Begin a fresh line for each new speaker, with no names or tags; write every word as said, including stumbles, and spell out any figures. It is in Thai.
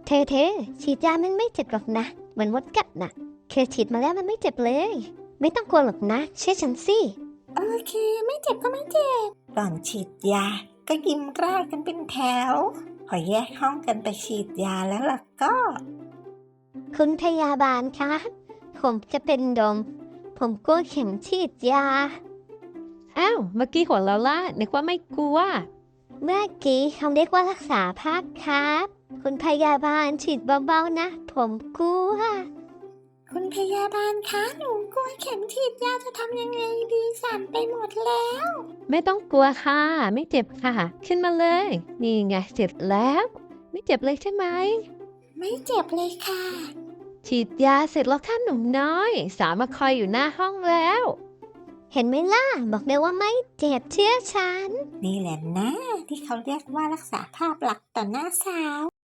เธอเธอฉีดยามันไม่เจ็บหรอกนะเหมือนมดกัดนะเคยฉีดมาแล้วมันไม่เจ็บเลย ไม่ต้องกลัวหรอกนะเชื่อฉันสิ
โอเคไม่เจ็บก็ไม่เจ็บก่อนฉีดยาก็ยิ้มร่ากันเป็นแถวพอแยกห้องกันไปฉีดยาแล้วล่ะก็
คุณพยาบาลคะผมจะเป็นลมผมกลัวเข็มฉีดยา
อ้าวเมื่อกี้หัวเราะล่ะนึกว่าไม่กลัว
เมื่อกี้เขาเรียกว่ารักษาภาพครับ คุณพยาบาลฉีดเบาๆนะ ผมกลัว
คุณพยาบาลคะหนูกลัวเข็มฉีดยาจะทำยังไงดีสั่นไปหมดแล้ว
ไม่ต้องกลัวค่ะ ไม่เจ็บค่ะ ขึ้นมาเลย นี่ไงเสร็จแล้ว ไม่เจ็บเลยใช่ไหม
ไม่เจ็บเลยค่ะ
ฉีดยาเสร็จแล้วค่ะหนุ่มน้อย สาวมาคอยอยู่หน้าห้องแล้ว
เห็นไหมล่ะ บอกเลยว่าไม่เจ็บเชื่อฉัน
นี่แหละนะที่เขาเรียกว่ารักษาภาพลักษณ์ต่อหน้าสาว